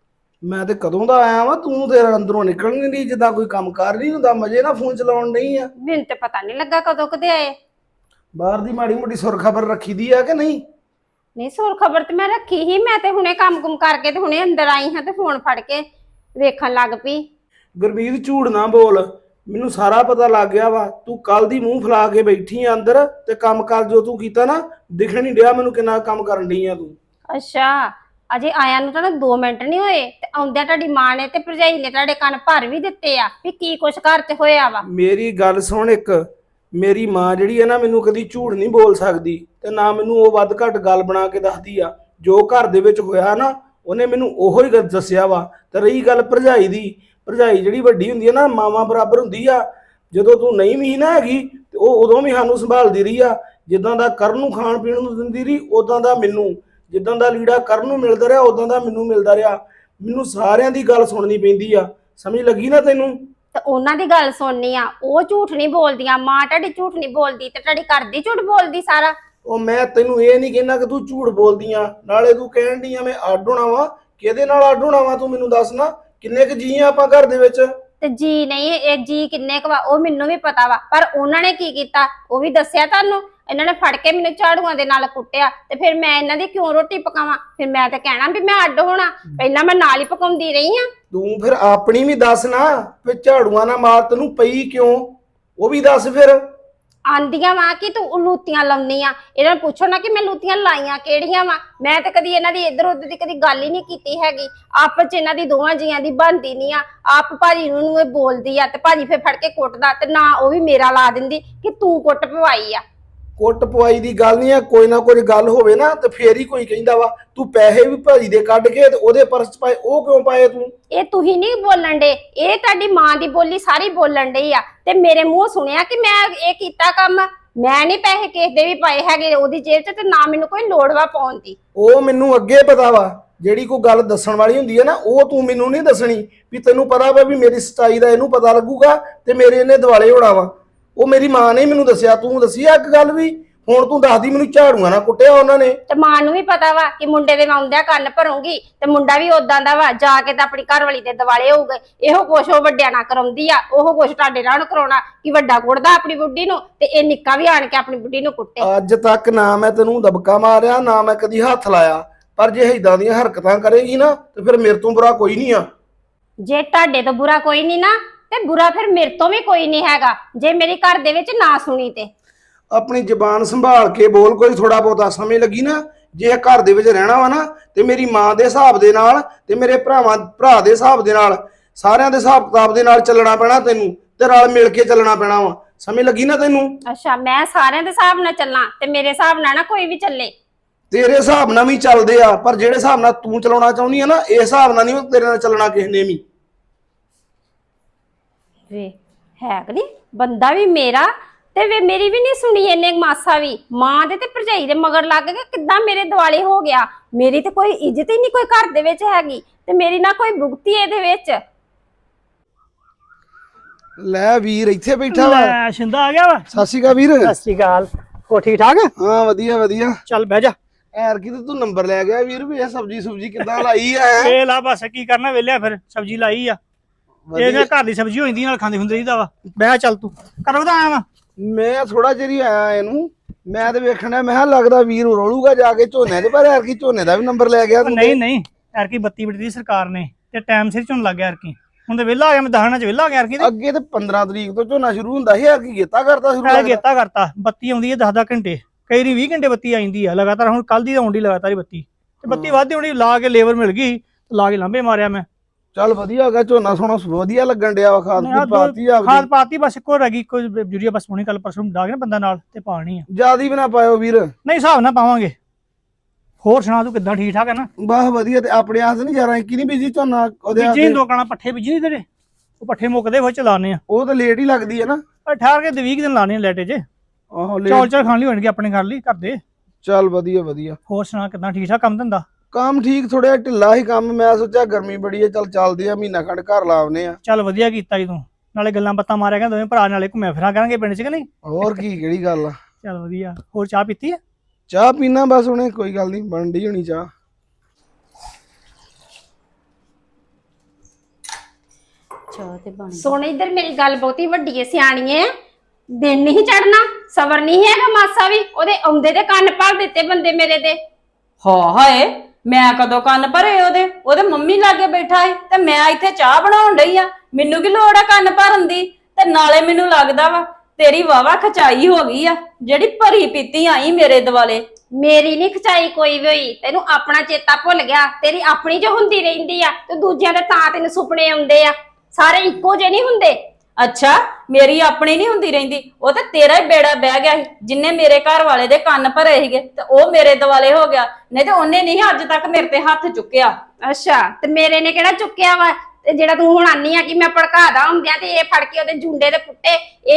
A: ਮੈਂ ਤੇ ਕਦੋਂ ਦਾ ਆਇਆ ਵਾਂ, ਤੂੰ ਤੇ ਅੰਦਰੋਂ ਨਿਕਲ ਨਹੀਂ ਰਹੀ, ਜਿੱਦਾਂ ਕੋਈ ਕੰਮ ਕਰ ਨਹੀਂ ਹੁੰਦਾ, ਮਜੇ ਨਾਲ ਫੋਨ ਚਲਾਉਣ ਨਹੀਂ ਆ।
D: ਮੈਨੂੰ ਤੇ ਪਤਾ ਨਹੀਂ ਲੱਗਾ ਕਦੋਂ ਕਦੇ ਆਏ।
A: ਬਾਹਰ ਦੀ ਮਾੜੀ ਮੋਟੀ ਸੁਰ ਖਬਰ ਰੱਖੀ ਦੀ ਆ ਕਿ ਨਹੀਂ?
D: ਨਹੀਂ, ਸੁਰ ਖਬਰ ਤੇ ਮੈਂ ਰੱਖੀ ਹੀ। ਮੈਂ ਤੇ ਹੁਣੇ ਕੰਮ ਕਰਕੇ ਤੇ ਹੁਣੇ ਅੰਦਰ ਆਈ ਹਾਂ ਤੇ ਫੋਨ ਫੜ ਕੇ ਵੇਖਣ ਲੱਗ ਪਈ।
A: ਗੁਰਮੀਤ ਝੂਠ ਨਾ ਬੋਲ, ਮੈਨੂੰ ਸਾਰਾ ਪਤਾ ਲੱਗ ਗਿਆ ਵਾ। ਤੂੰ ਕੱਲ ਦੀ ਮੂੰਹ ਫਲਾ ਕੇ ਬੈਠੀ ਆ ਅੰਦਰ, ਤੇ ਕੰਮ ਕਰ ਜੋ ਤੂੰ ਕੀਤਾ ਨਾ, ਦਿਖਣ ਨਹੀਂ ਡਿਆ ਮੈਨੂੰ ਕਿੰਨਾ ਕੰਮ ਕਰਨ ਡਈ ਆ ਤੂੰ।
D: ਅੱਛਾ, ਅਜੇ ਆਇਆ ਨੂੰ ਤਾਂ 2 ਮਿੰਟ ਨਹੀਂ ਹੋਏ ਤੇ ਆਉਂਦਿਆਂ ਤੁਹਾਡੀ ਮਾਂ ਨੇ ਤੇ ਭਰਜਾਈ ਨੇ ਤੁਹਾਡੇ ਕੰਨ ਭਰ ਵੀ ਦਿੱਤੇ ਆ ਵੀ ਕੀ ਕੁਛ ਘਰ 'ਚ ਹੋਇਆ ਵਾ।
A: ਮੇਰੀ ਗੱਲ ਸੁਣ, ਇੱਕ ਮੇਰੀ ਮਾਂ ਜਿਹੜੀ ਹੈ ਨਾ, ਮੈਨੂੰ ਕਦੀ ਝੂਠ ਨਹੀਂ ਬੋਲ ਸਕਦੀ, ਤੇ ਨਾ ਮੈਨੂੰ ਉਹ ਵੱਧ ਘੱਟ ਗੱਲ ਬਣਾ ਕੇ ਦੱਸਦੀ ਆ। ਜੋ ਘਰ ਦੇ ਵਿੱਚ ਹੋਇਆ ਨਾ, ਉਹਨੇ ਮੈਨੂੰ ਉਹੋ ਹੀ ਦੱਸਿਆ ਵਾ। ਤੇ ਰਹੀ ਗੱਲ ਭਰਜਾਈ ਦੀ, ਭਰਜਾਈ ਜਿਹੜੀ ਵੱਡੀ ਹੁੰਦੀ ਹੈ ਨਾ, ਮਾਵਾਂ ਬਰਾਬਰ ਹੁੰਦੀ ਆ। ਜਦੋਂ ਤੂੰ ਨਹੀਂ ਵੀ ਨਾ ਹੈਗੀ ਤੇ ਉਹ ਉਦੋਂ ਵੀ ਸਾਨੂੰ ਸੰਭਾਲਦੀ ਰਹੀ ਆ। ਜਿੱਦਾਂ ਦਾ ਕਰਨ ਨੂੰ ਖਾਣ ਪੀਣ ਨੂੰ ਦਿੰਦੀ ਰਹੀ, ਉਦਾਂ ਦਾ ਮੈਨੂੰ, ਜਿੱਦਾਂ ਦਾ ਲੀੜਾ ਕਰਨ ਨੂੰ ਮਿਲਦਾ ਰਿਹਾ, ਉਦਾਂ ਦਾ ਮੈਨੂੰ ਮਿਲਦਾ ਰਿਹਾ। ਮੈਨੂੰ ਸਾਰਿਆਂ ਦੀ ਗੱਲ ਸੁਣਨੀ ਪੈਂਦੀ ਆ, ਸਮਝ ਲੱਗੀ ਨਾ ਤੈਨੂੰ?
D: ਤੇ ਉਹਨਾਂ ਦੀ ਗੱਲ ਸੁਣਨੀ ਆ, ਉਹ ਝੂਠ ਨਹੀਂ ਬੋਲਦੀਆਂ। ਮਾਂ ਤੁਹਾਡੀ ਝੂਠ ਨਹੀਂ ਬੋਲਦੀ ਤੇ ਤੁਹਾਡੀ ਘਰ ਦੀ ਝੂਠ ਬੋਲਦੀ ਸਾਰਾ।
A: ਉਹ ਮੈਂ ਤੈਨੂੰ ਇਹ ਨਹੀਂ ਕਹਿੰਦਾ ਕਿ ਤੂੰ ਝੂਠ ਬੋਲਦੀ ਆ, ਨਾਲੇ ਤੂੰ ਕਹਿਣ ਡਈ ਆ ਮੈਂ ਅੱਡ ਹੋਣਾ ਵਾ। ਕਿਹਦੇ ਨਾਲ ਅੱਡ ਹੋਣਾ ਵਾ ਤੂੰ ਮੈਨੂੰ ਦੱਸ ਨਾ? ਕਿੰਨੇ ਕੁ ਜੀ ਆ ਆਪਾਂ ਘਰ ਦੇ ਵਿੱਚ?
D: ਤੇ ਜੀ ਨਹੀਂ, ਇਹ ਜੀ ਕਿੰਨੇ ਕੁ ਵਾ ਉਹ ਮੈਨੂੰ ਵੀ ਪਤਾ ਵਾ, ਪਰ ਉਹਨਾਂ ਨੇ ਕੀ ਕੀਤਾ ਉਹ ਵੀ ਦੱਸਿਆ ਤੁਹਾਨੂੰ। ਇਹਨਾਂ ਨੇ ਫੜ ਕੇ ਮੈਨੂੰ ਝਾੜੂਆਂ ਦੇ ਨਾਲ ਕੁੱਟਿਆ, ਤੇ ਫਿਰ ਮੈਂ ਇਹਨਾਂ ਦੀ ਕਿਉਂ ਰੋਟੀ ਪਕਾਵਾਂ? ਫਿਰ ਮੈਂ ਤਾਂ ਕਹਿਣਾ ਵੀ ਮੈਂ ਅੱਡ ਹੋਣਾ, ਪਹਿਲਾਂ ਮੈਂ ਨਾਲ ਹੀ ਪਕਾਉਂਦੀ ਰਹੀ ਆ।
A: ਤੂੰ ਫਿਰ ਆਪਣੀ ਵੀ ਦੱਸ ਨਾ, ਵੀ ਝਾੜੂਆਂ ਨਾਲ ਮਾਰ ਤੈਨੂੰ ਪਈ ਕਿਉਂ, ਉਹ ਵੀ ਦੱਸ ਫਿਰ।
D: ਆਂਦੀਆਂ ਵਾ ਕਿ ਤੂੰ ਲੂਤੀਆਂ ਲਾਉਣੀ ਆ। ਇਹਨਾਂ ਨੂੰ ਪੁੱਛੋ ਨਾ ਕਿ ਮੈਂ ਲੂਤੀਆਂ ਲਾਈਆਂ ਕਿਹੜੀਆਂ ਵਾ। ਮੈਂ ਤੇ ਕਦੀ ਇਹਨਾਂ ਦੀ ਇੱਧਰ ਉੱਧਰ ਦੀ ਕਦੀ ਗੱਲ ਹੀ ਨਹੀਂ ਕੀਤੀ ਹੈਗੀ। ਆਪਸ ਚ ਇਹਨਾਂ ਦੀ ਦੋਵਾਂ ਜੀਆਂ ਦੀ ਬਣਦੀ ਨਹੀਂ ਆ। ਆਪ ਭਾਜੀ ਨੂੰ ਇਹ ਬੋਲਦੀ ਆ ਤੇ ਭਾਜੀ ਫਿਰ ਫੜ ਕੇ ਕੁੱਟਦਾ, ਤੇ ਨਾ ਉਹ ਵੀ ਮੇਰਾ ਲਾ ਦਿੰਦੀ ਕਿ ਤੂੰ ਕੁੱਟ ਪਵਾਈ ਆ।
A: ਕੁੱਟ ਪਵਾਈ ਦੀ ਗੱਲ ਨਹੀਂ ਆ, ਕੋਈ ਨਾ ਕੋਈ ਗੱਲ ਹੋਵੇ ਨਾ ਤੇ ਫੇਰ ਹੀ ਕੋਈ ਕਹਿੰਦਾ ਵਾ। ਤੂੰ ਪੈਸੇ ਵੀ ਭਾਜੀ ਦੇ ਕੱਢ ਕੇ ਤੇ ਉਹਦੇ ਪਰਸ ਚ ਪਾਏ, ਉਹ ਕਿਉਂ ਪਾਏ ਤੂੰ?
D: ਇਹ ਤੁਸੀਂ ਨਹੀਂ ਬੋਲਣ ਡੇ, ਇਹ ਤੁਹਾਡੀ ਮਾਂ ਦੀ ਬੋਲੀ ਸਾਰੀ ਬੋਲਣ ਡਈ ਆ। ਤੇ ਮੇਰੇ ਮੂੰਹ ਸੁਣਿਆ ਕਿ ਮੈਂ ਇਹ ਕੀਤਾ ਕੰਮ। ਮੈਂ ਨਹੀਂ ਪੈਸੇ ਕਿਸੇ ਦੇ ਵੀ ਪਾਏ ਹੈਗੇ ਉਹਦੀ ਜੇਬ 'ਚ, ਤੇ ਨਾ ਮੈਨੂੰ ਕੋਈ ਲੋੜ ਵਾ ਪਾਉਣ ਦੀ।
A: ਉਹ ਮੈਨੂੰ ਅੱਗੇ ਪਤਾ ਵਾ, ਜਿਹੜੀ ਕੋਈ ਗੱਲ ਦੱਸਣ ਵਾਲੀ ਹੁੰਦੀ ਹੈ ਨਾ, ਉਹ ਤੂੰ ਮੈਨੂੰ ਨਹੀਂ ਦੱਸਣੀ। ਵੀ ਤੈਨੂੰ ਪਤਾ ਵਾ ਵੀ ਮੇਰੀ ਸੱਚਾਈ ਦਾ ਇਹਨੂੰ ਪਤਾ ਲੱਗੂਗਾ ਤੇ ਮੇਰੇ ਇਹਨੇ ਦਿਵਾਲੇ ਹੋਣਾ ਵਾ। ਉਹ ਮੇਰੀ ਮਾਂ ਨੇ ਮੈਨੂੰ ਦੱਸਿਆ, ਤੂੰ ਦੱਸੀ ਆ ਇੱਕ ਗੱਲ ਵੀ? ਹੁਣ ਤੂੰ ਦੱਸਦੀ ਮੈਨੂੰ ਝਾੜੂਆਂ ਨਾਲ ਕੁੱਟਿਆ ਉਹਨਾਂ ਨੇ।
D: ਤੇ ਮਾਂ ਨੂੰ ਵੀ ਪਤਾ ਵਾ ਕਿ ਮੁੰਡੇ ਦੇ ਮੈਂ ਆਉਂਦਿਆਂ ਕੰਨ ਭਰੂੰਗੀ ਤੇ ਮੁੰਡਾ ਵੀ ਉਦਾਂ ਦਾ ਵਾ, ਜਾ ਕੇ ਤਾਂ ਆਪਣੀ ਘਰ ਵਾਲੀ ਦੇ ਦਿਵਾਲੇ ਹੋਊਗਾ। ਇਹੋ ਕੁਛ ਉਹ ਵੱਡਿਆਂ ਨਾਲ ਕਰਾਉਂਦੀ ਆ, ਉਹ ਕੁਛ ਤੁਹਾਡੇ ਨਾਲ ਕਰਾਉਣਾ ਕਿ ਵੱਡਾ ਕੁੱਟਦਾ ਆਪਣੀ ਬੁੱਢੀ ਨੂੰ ਤੇ ਇਹ ਨਿੱਕਾ ਵੀ ਆਣ ਕੇ ਆਪਣੀ ਬੁੱਢੀ ਨੂੰ ਕੁੱਟੇ।
A: ਅੱਜ ਤੱਕ ਨਾ ਮੈਂ ਤੈਨੂੰ ਦਬਕਾ ਮਾਰਿਆ, ਨਾ ਮੈਂ ਕਦੀ ਹੱਥ ਲਾਇਆ, ਪਰ ਜੇ ਏਦਾਂ ਦੀਆਂ ਹਰਕਤਾਂ ਕਰੇਗੀ ਨਾ ਤੇ ਫਿਰ ਮੇਰੇ ਤੋਂ ਬੁਰਾ ਕੋਈ ਨਹੀਂ ਆ।
D: ਜੇ ਤੁਹਾਡੇ ਤੋਂ ਬੁਰਾ ਕੋਈ ਨਹੀਂ ਨਾ ਤੇ ਬੁਰਾ ਫਿਰ ਮੇਰੇ ਤੋਂ ਵੀ ਕੋਈ ਨਹੀਂ ਹੈਗਾ, ਜੇ ਮੇਰੀ ਘਰ ਦੇ ਵਿੱਚ ਨਾ ਸੁਣੀ ਤੇ।
A: ਆਪਣੀ ਜ਼ਬਾਨ ਸੰਭਾਲ ਕੇ ਬੋਲ, ਕੋਈ ਥੋੜਾ ਬਹੁਤਾ ਸਮਝ ਲੱਗੀ ਨਾ। ਜੇ ਘਰ ਦੇ ਵਿੱਚ ਰਹਿਣਾ ਵਾ ਨਾ ਤੇ ਮੇਰੀ ਮਾਂ ਦੇ ਹਿਸਾਬ ਦੇ ਨਾਲ ਤੇ ਮੇਰੇ ਭਰਾ ਦੇ ਹਿਸਾਬ ਦੇ ਨਾਲ, ਸਾਰਿਆਂ ਦੇ ਹਿਸਾਬ ਕਿਤਾਬ ਦੇ ਨਾਲ ਚੱਲਣਾ ਪੈਣਾ ਤੈਨੂੰ, ਤੇ ਰਲ ਮਿਲ ਕੇ ਚੱਲਣਾ ਪੈਣਾ ਵਾ। ਸਮਝ ਲੱਗੀ ਨਾ ਤੈਨੂੰ?
D: ਅੱਛਾ, ਮੈਂ ਸਾਰਿਆਂ ਦੇ ਹਿਸਾਬ ਨਾਲ ਚੱਲਾਂ ਤੇ ਮੇਰੇ ਹਿਸਾਬ ਨਾਲ ਨਾ ਕੋਈ ਵੀ ਚੱਲੇ।
A: ਤੇਰੇ ਹਿਸਾਬ ਨਾਲ ਵੀ ਚੱਲਦੇ ਆ, ਪਰ ਜਿਹੜੇ ਹਿਸਾਬ ਨਾਲ ਤੂੰ ਚਲਾਉਣਾ ਚਾਹੁੰਦੀ ਆ ਨਾ, ਇਸ ਹਿਸਾਬ ਨਾਲ ਨਹੀਂ ਤੇਰੇ ਨਾਲ ਚੱਲਣਾ ਕਿਸੇ ਨੇ ਵੀ।
D: ਵੇ ਹੈ ਕਿ ਨਹੀਂ, ਬੰਦਾ ਵੀ ਮੇਰਾ ਤੇ ਵੇ ਮੇਰੀ ਵੀ ਨਹੀਂ ਸੁਣੀ ਇਹਨੇ ਮਾਸਾ ਵੀ। ਮਾਂ ਦੇ ਤੇ ਭਰਜਾਈ ਦੇ ਮਗਰ ਲੱਗ ਕੇ ਕਿੱਦਾਂ ਮੇਰੇ ਦਿਵਾਲੇ ਹੋ ਗਿਆ। ਮੇਰੀ ਤੇ ਕੋਈ ਇੱਜ਼ਤ ਹੀ ਨਹੀਂ ਕੋਈ ਘਰ ਦੇ ਵਿੱਚ ਹੈਗੀ ਤੇ ਮੇਰੀ ਨਾ ਕੋਈ ਭੁਗਤੀ ਇਹਦੇ ਵਿੱਚ।
A: ਲੈ ਵੀਰ ਇੱਥੇ ਬੈਠਾ ਵਾ।
E: ਲੈ ਸ਼ਿੰਦਾ ਆ ਗਿਆ ਵਾ।
A: ਸਤਿ ਸ਼੍ਰੀ ਅਕਾਲ ਵੀਰ।
E: ਸਤਿ ਸ਼੍ਰੀ ਅਕਾਲ। ਹੋ ਠੀਕ ਠਾਕ?
A: ਹਾਂ ਵਧੀਆ ਵਧੀਆ।
E: ਚੱਲ ਬਹਿ ਜਾ।
A: ਐਰ ਕੀ ਤੇ ਤੂੰ ਨੰਬਰ ਲੈ ਗਿਆ ਵੀਰ, ਵੀ ਇਹ ਸਬਜੀ ਕਿੱਦਾਂ ਲਾਈ ਆ?
E: ਇਹ ਲਾ ਬਸ ਕੀ ਕਰਨਾ ਵੇਲਿਆ, ਫਿਰ ਸਬਜ਼ੀ ਲਾਈ ਆ। ਇਹ ਨਾ ਘਰ ਦੀ ਸਬਜ਼ੀ ਹੋ ਜਾਂਦੀ, ਨਾਲ ਖਾਂਦੇ ਹੁੰਦੇ ਰਹੀਦਾ ਵਾ। ਬਹਿ ਚੱਲ ਤੂੰ ਕਦੋਂ ਦਾ ਆਇਆ ਵਾ?
A: ਮੈਂ ਥੋੜਾ ਚਿਰ ਹੀ ਆਇਆ ਇਹਨੂੰ, ਮੈਂ ਤੇ ਵੇਖਣਾ, ਮੈਂ ਕਿਹਾ ਲੱਗਦਾ ਵੀਰ ਰੋਲੂਗਾ ਜਾ ਕੇ ਝੋਨੇ ਦੇ, ਪਰ ਐਰ ਕੀ ਝੋਨੇ ਦਾ ਵੀ ਨੰਬਰ ਲੈ ਗਿਆ ਤੂੰ?
E: ਨਹੀਂ ਯਾਰ ਕੀ ਬੱਤੀ ਬਿੱਟੀ ਦੀ ਸਰਕਾਰ ਨੇ ਤੇ ਟਾਈਮ ਸਿਰ ਝੋਨ ਲੱਗ ਗਿਆ ਯਾਰ ਕੀ। ਹੁਣ ਤੇ ਵਿਹਲਾ ਆ ਗਿਆ, ਮੈਂ ਦਹਾਣਾ ਚ ਵਿਹਲਾ ਆ ਗਿਆ ਯਾਰ ਕੀ।
A: ਅੱਗੇ ਤੇ 15 ਤਰੀਕ ਤੋਂ ਝੋਨਾ ਸ਼ੁਰੂ ਹੁੰਦਾ ਸੀ, ਐਰ ਕੀ ਗੇਤਾ ਕਰਤਾ ਸ਼ੁਰੂ?
E: ਨਾਲੇ ਗੇਤਾ ਕਰਤਾ। ਬੱਤੀ ਆਉਂਦੀ ਹੈ 10 ਘੰਟੇ, ਕਈ ਰੀ 20 ਘੰਟੇ ਬੱਤੀ ਆ ਜਾਂਦੀ ਆ ਲਗਾਤਾਰ। ਹੁਣ ਕੱਲ ਦੀ ਆਉਂਦੀ ਲਗਾਤਾਰ ਹੀ ਬੱਤੀ, ਤੇ ਬੱਤੀ ਵੱਧਦੀ ਹੋਣੀ। ਲਾ ਕੇ ਲੇਬਰ ਮਿਲ ਗਈ, ਲਾ ਕੇ ਲਾਂਬੇ ਮਾਰਿਆ ਮੈਂ।
A: ਚੱਲ ਵਧੀਆ ਹੋ ਗਿਆ, ਝੋਨਾ ਸੋਣਾ ਵਧੀਆ ਲੱਗਣ ਡਿਆ ਵਾ। ਖਾਦ ਪਾਤੀ ਆ?
E: ਖਾਦ ਪਾਤੀ, ਬਸ ਇੱਕੋ ਰਹਿ ਗਈ, ਕੋਈ ਯੂਰੀਆ ਬਸ ਹੋਣੀ ਕੱਲ ਪਰਸੋਂ ਡਾਗ ਨਾ ਬੰਦਾ ਨਾਲ ਤੇ ਪਾਣੀ ਆ।
A: ਜਿਆਦਾ ਵੀ ਨਾ ਪਾਇਓ ਵੀਰ।
E: ਨਹੀਂ ਹਿਸਾਬ ਨਾਲ ਪਾਵਾਂਗੇ। ਹੋਰ ਸੁਣਾ ਤੂੰ ਕਿੱਦਾਂ, ਠੀਕ ਠਾਕ ਹੈ ਨਾ?
A: ਬਸ ਵਧੀਆ। ਤੇ ਆਪਣੇ ਆਸ ਨਹੀਂ ਜਾ ਕੀ ਨਹੀਂ ਬੀਜੀ ਝੋਨਾ ਉਹਦੇ?
E: ਬੀਜੀ ਦੋ ਕਣਾ ਪੱਠੇ ਬੀਜੀ ਨਹੀਂ ਤੇਰੇ, ਉਹ ਪੱਠੇ ਮੁੱਕਦੇ ਫਿਰ ਚਲਾਣੇ ਆ।
A: ਉਹ ਤਾਂ ਲੇਟ ਹੀ ਲੱਗਦੀ ਹੈ ਨਾ।
E: ਪਰ ਠਹਿਰ ਕੇ 20 ਦਿਨ ਲਾਣੇ ਲੈਟੇ 'ਚ।
A: ਆਹੋ
E: ਚੌਲ ਖਾਣ ਲਈ ਹੋਣਗੇ ਆਪਣੇ ਘਰ ਲਈ, ਘਰ ਦੇ।
A: ਚੱਲ ਵਧੀਆ।
E: ਹੋਰ ਸੁਣਾ ਕਿੱਦਾਂ, ਠੀਕ ਠਾਕ ਕੰਮ ਧੰਦਾ?
A: ਕੰਮ ਠੀਕ, ਥੋੜਾ ਢਿੱਲਾ ਹੀ ਕੰਮ। ਮੈਂ ਸੋਚਿਆ ਗਰਮੀ ਬੜੀ ਹੈ, ਚੱਲ ਚੱਲਦੇ ਆ, ਮਹੀਨਾ ਖੰਡ ਘਰ ਲਾਉਨੇ ਆ।
E: ਚੱਲ ਵਧੀਆ ਕੀਤਾ ਜੀ ਤੂੰ, ਨਾਲੇ ਗੱਲਾਂ ਬਾਤਾਂ ਮਾਰਿਆ ਕਰਾਂ ਦੋਵੇਂ ਭਰਾ, ਨਾਲੇ ਘੁੰਮਿਆ ਫਿਰਾਂ ਕਰਾਂਗੇ ਪਿੰਡ 'ਚ ਕਿ ਨਹੀਂ?
A: ਹੋਰ ਕੀ, ਕਿਹੜੀ ਗੱਲ ਆ।
E: ਚੱਲ ਵਧੀਆ। ਹੋਰ ਚਾਹ ਪੀਤੀ ਆ?
A: ਚਾਹ ਪੀਣਾ ਬਸ ਹੁਣੇ, ਕੋਈ ਗੱਲ ਨਹੀਂ, ਬਣ ਡਈ ਹੋਣੀ ਚਾਹ।
C: ਚਾਹ ਤੇ ਬਣ
D: ਸੁਣ ਇੱਧਰ ਮੇਰੀ ਗੱਲ, ਬਹੁਤੀ ਵੱਡੀ ਏ ਸਿਆਣੀ ਏ। ਦਿਨ ਨਹੀਂ ਚੜਨਾ, ਸਬਰ ਨਹੀਂ ਹੈਗਾ ਮਾਸਾ ਵੀ। ਉਹਦੇ ਆਉਂਦੇ ਦੇ ਕੰਨ ਭਰ ਦਿੱਤੇ ਬੰਦੇ ਮੇਰੇ ਦੇ।
C: ਹਾਏ ਮੈਂ ਕਦੋਂ ਕੰਨ ਭਰੇ ਉਹਦੇ ਮੰਮੀ ਲਾਗੇ ਬੈਠਾ ਏ ਤੇ ਮੈਂ ਇੱਥੇ ਚਾਹ ਬਣਾਉਣ ਡਈ ਆ। ਮੈਨੂੰ ਕੀ ਲੋੜ ਆ ਕੰਨ ਭਰਨ ਦੀ? ਤੇ ਨਾਲੇ ਮੈਨੂੰ ਲੱਗਦਾ ਵਾ ਤੇਰੀ ਵਾਵਾ ਖਚਾਈ ਹੋ ਗਈ ਆ, ਜਿਹੜੀ ਭਰੀ ਪੀਤੀ ਆਈ ਮੇਰੇ ਦਿਵਾਲੇ।
D: ਮੇਰੀ ਨਹੀਂ ਖਚਾਈ ਕੋਈ ਵੀ ਹੋਈ, ਤੈਨੂੰ ਆਪਣਾ ਚੇਤਾ ਭੁੱਲ ਗਿਆ। ਤੇਰੀ ਆਪਣੀ ਜੋ ਹੁੰਦੀ ਰਹਿੰਦੀ ਆ ਤੇ ਦੂਜਿਆਂ ਦੇ ਤਾਂ ਤੈਨੂੰ ਸੁਪਨੇ ਆਉਂਦੇ ਆ। ਸਾਰੇ ਇੱਕੋ ਜਿਹੇ ਨਹੀਂ ਹੁੰਦੇ।
C: ਅੱਛਾ ਮੇਰੀ ਆਪਣੀ ਨਹੀਂ ਹੁੰਦੀ ਰਹਿੰਦੀ, ਉਹ ਤੇ ਤੇਰਾ ਹੀ ਬੇੜਾ ਬਹਿ ਗਿਆ ਸੀ। ਜਿੰਨੇ ਮੇਰੇ ਘਰ ਵਾਲੇ ਦੇ ਕੰਨ ਭਰੇ ਸੀਗੇ ਤੇ ਉਹ ਮੇਰੇ ਦਿਵਾਲੇ ਹੋ ਗਿਆ, ਨਹੀਂ ਤੇ ਉਹਨੇ ਨਹੀਂ ਅੱਜ ਤੱਕ ਮੇਰੇ ਤੇ ਹੱਥ ਚੁੱਕਿਆ।
D: ਅੱਛਾ, ਤੇ ਮੇਰੇ ਨੇ ਕਿਹੜਾ ਚੁੱਕਿਆ ਵਾ? ਤੇ ਜਿਹੜਾ ਤੂੰ ਹੁਣ ਆਨੀ ਆ ਕਿ ਮੈਂ ਭੜਕਾਦਾ ਹੁੰਦਿਆਂ ਤੇ ਇਹ ਫੜ ਕੇ ਉਹਦੇ ਜੁੰਡੇ ਦੇ ਪੁੱਟੇ,